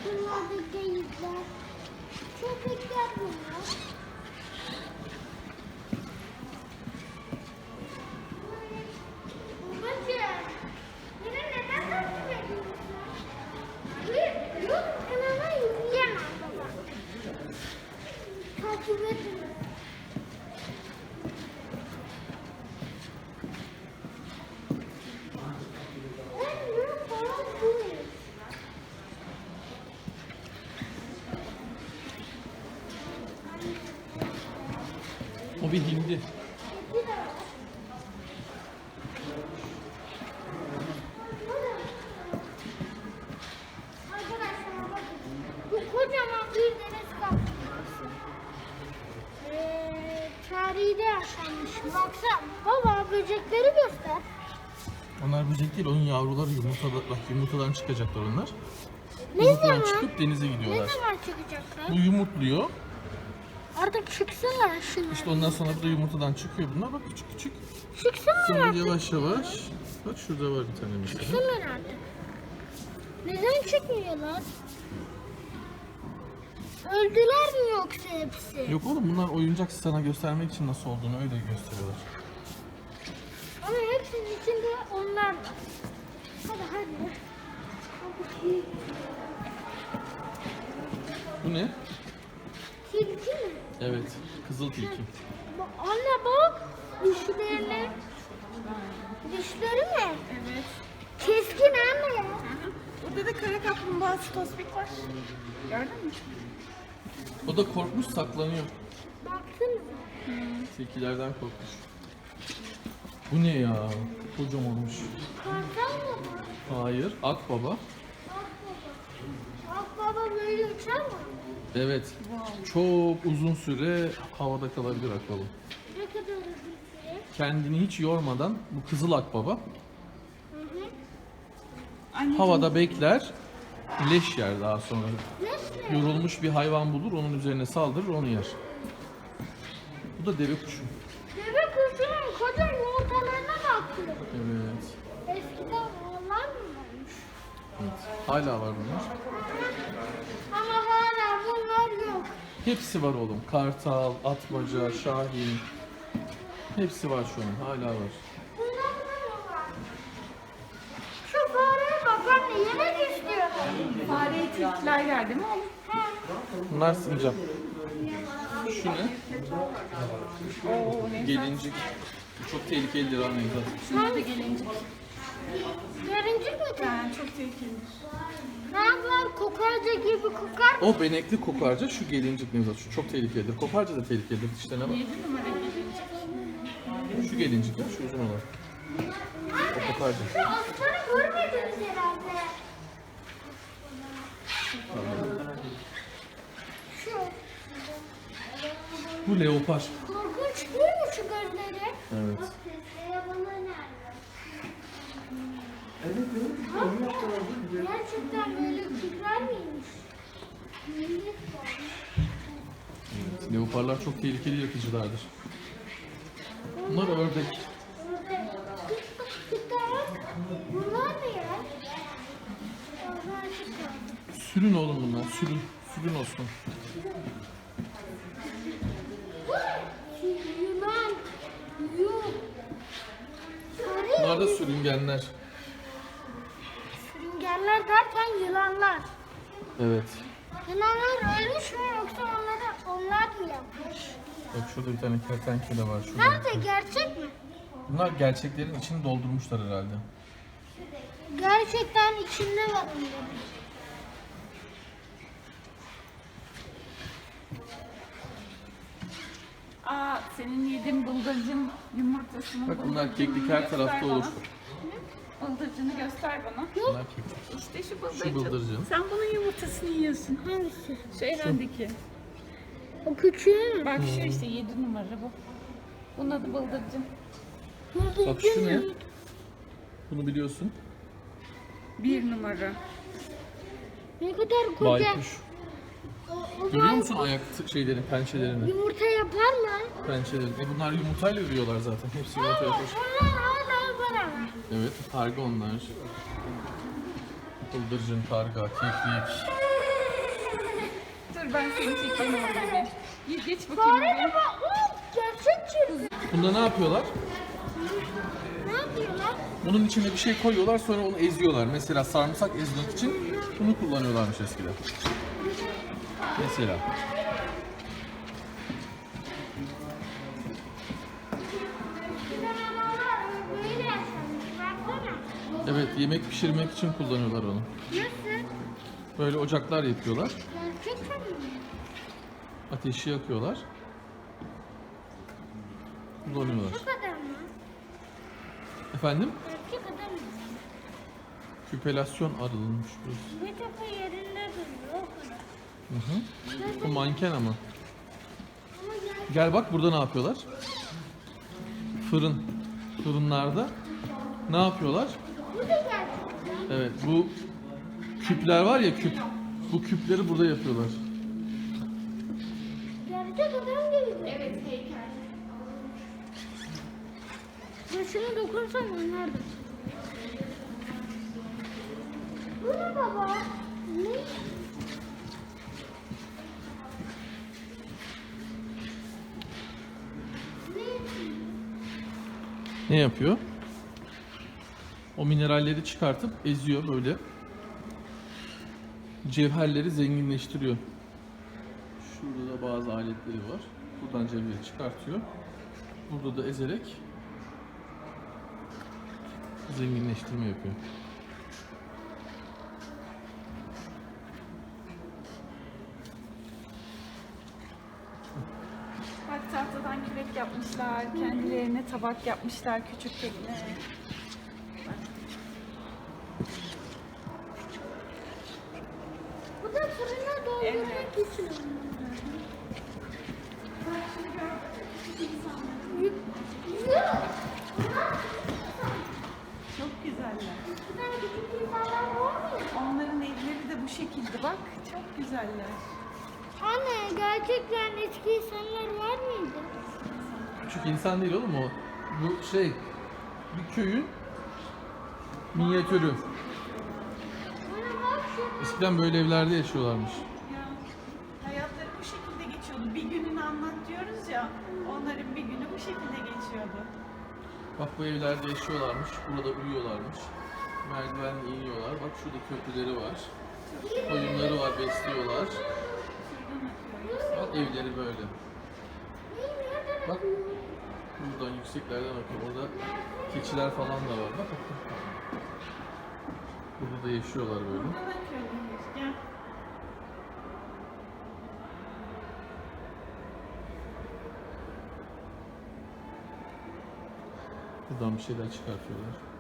Bunlar da geyikler. Köpekler bunlar. Babacığım, beni neden takip ediyorsun? Yok, kanala yürüyemem baba. Takip edin. O bir hindi. Arkadaşlar bakın. Bu kocaman bir deniz kaplumbağası. Tarihi de yaşanmış. Baksana baba böcekleri göster. Onlar böcek değil, onun yavruları yumurtada, bak yumurtadan çıkacaklar onlar. Ne Yumurtadan zaman? çıkıp denize Ne gidiyorlar. zaman çıkacaklar? Bu yumurtluyor. Artık çıksınlar şunlar. İşte ondan sonra bu da yumurtadan çıkıyor bunlar. Bak küçük küçük. Çıksınlar Sonra artık. yavaş yavaş. Bak şurada var bir tane mesela. Çıksınlar artık. Neden çıkmıyorlar? Öldüler mi yoksa hepsi? Yok oğlum, bunlar oyuncak, sana göstermek için nasıl olduğunu öyle gösteriyorlar. Ama hepsinin içinde onlar var. Hadi hadi. Bu ne? Tilki mi? Evet, kızıl tilki. Anne bak. Dişlerine. Dişleri mi? Evet. Keskin anne ya. Burada da kara kaplumbağası tospik var. Gördün mü? O da korkmuş, saklanıyor. Baksana. Tilkilerden korkmuş. Bu ne ya? Kocamanmış. Kartal mı bu? Hayır, akbaba. Akbaba böyle uçar mı? Evet, çok uzun süre havada kalabilir akbaba. Ne kadar uzun süre? Kendini hiç yormadan, bu kızıl akbaba Hı hı. Anneciğim, havada bekler, leş yer daha sonra. Nasıl? Yorulmuş bir hayvan bulur, onun üzerine saldırır, onu yer. Bu da deve kuşu. Deve kuşunun koca yumurtalarına bakıyor. Evet. Eskiden onlar mı varmış? Evet. Hala var bunlar. Ama hala bunlar yok. Hepsi var oğlum. Kartal, atmaca, şahin. Hepsi var şu an. Hala var. Bunlar mı var? Şu fareye bak anne yemek istiyor. fareye tilkiler geldi mi oğlum? Bunlar sincap. Şu ne? Oo, ne güzel. Gelincik. Bu çok tehlikelidir anne. Şuna da gelincik. Gelincik mi? Yani çok tehlikelidir. Ne yapar? Kokarca gibi kokar. O benekli kokarca, şu gelincik Nevzat. Şu çok tehlikelidir. Kokarca da tehlikelidir. Dişlerine bak. 7 numara gelincik. Şu gelincik ya, şu uzun olan. O kokarca. Şu aslanı görmediniz herhalde. Şu. Bu leopar. Korkunç değil mi şu gözleri? Evet. Gerçekten böyle kükrer miymiş? Millet var. Evet. Leoparlar çok tehlikeli yırtıcılardır. Bunlar ördek. Bunlar ne ya? Onlar çıkar. Sürün oğlum bunlar. Sürün. Sürün olsun. Yunan. Yuh. Bunlar da sürüngenler. Sürüngenler derken yılanlar. Evet. Yılanlar ölmüş mü yoksa onlar mı yapmış? Bak şurada bir tane kertenkele var. Şurada. Nerede gerçek mi? Bunlar gerçeklerin içini doldurmuşlar herhalde. Gerçekten içinde var onların. Aa, senin yediğin bıldırcın yumurtasını. Bak bunlar keklik her tarafta olur. Bıldırcını göster bana. Bunlar keklik. İşte şu bıldırcın. Şu bıldırcın. Sen bunun yumurtasını yiyorsun. Hangisi? Şu en öndeki. O küçüğü mü? Bak şu işte 7 numara bu. Bunun adı bıldırcın. Bak şu ne? Bunu biliyorsun. 1 numara. Ne kadar koca. Baykuş. O Görüyor musun ayak şeylerini, pençelerini? yumurta yapar mı? Pençelerini. Bunlar yumurtayla yürüyorlar zaten. Hepsi yumurta yapmış. Onlar hala var ama. Evet, karga onlar. Bıldırcın, karga, keklik. ben seni çekeyim orada bir. Geç bakayım Fare oraya. de bak. Gerçek çiz. Bunda ne yapıyorlar? Ne yapıyorlar? Bunun içine bir şey koyuyorlar sonra onu eziyorlar. Mesela sarımsak ezmek için bunu kullanıyorlarmış eskiden. Mesela. Böyle yaşanmış. Baksana. Evet, yemek pişirmek için kullanıyorlar onu. Nasıl? Böyle ocaklar yapıyorlar. Gerçekten mi? Ateşi yakıyorlar. Kullanıyorlar. Şu kadar mı? Efendim? Gerçek kadar mı? Küpelasyon arılmış burası. Bir kafa yerinde duruyor o kadar. Hı hı. Bu manken ama. Ama gerçek. Gel bak burada ne yapıyorlar? Fırın. Fırınlarda ne yapıyorlar? Bu da gerçek. Evet, bu küpler var ya küp. Bu küpleri burada yapıyorlar. Gerçek adam gibi. Evet heykel. Başına dokunsam anlardım. Bu ne baba? Ne? Ne yapıyor? O mineralleri çıkartıp eziyor böyle. Cevherleri zenginleştiriyor. Şurada da bazı aletleri var. Buradan cevheri çıkartıyor. Burada da ezerek zenginleştirme yapıyor. Bak tahtadan kürek yapmışlar. Kendilerine tabak yapmışlar küçük tekne. Bu da fırına doldurmak için. Çok güzeller. Bir tane küçük insanlar var mı? Onların evleri de bu şekilde bak. Çok güzeller. Anne gerçekten eski insanlar var mıydı? Küçük insan değil oğlum o. Bu şey bir köyün minyatürü. Bana bak şu. Eskiden böyle evlerde yaşıyorlarmış. Ya hayatları bu şekilde geçiyordu. Bir gününü anlat diyoruz ya. Onların bir günü bu şekilde geçiyordu. Bak bu evlerde yaşıyorlarmış. Burada uyuyorlarmış. Merdivenle iniyorlar. Bak şurada köprüleri var. Koyunları var, besliyorlar. Bak evleri böyle. Bak buradan yükseklerden bakıyor. Orada keçiler falan da var. Bak bak. Burada da yaşıyorlar böyle. Burada da köydeyiz. Gel. Buradan bir şeyler çıkartıyorlar.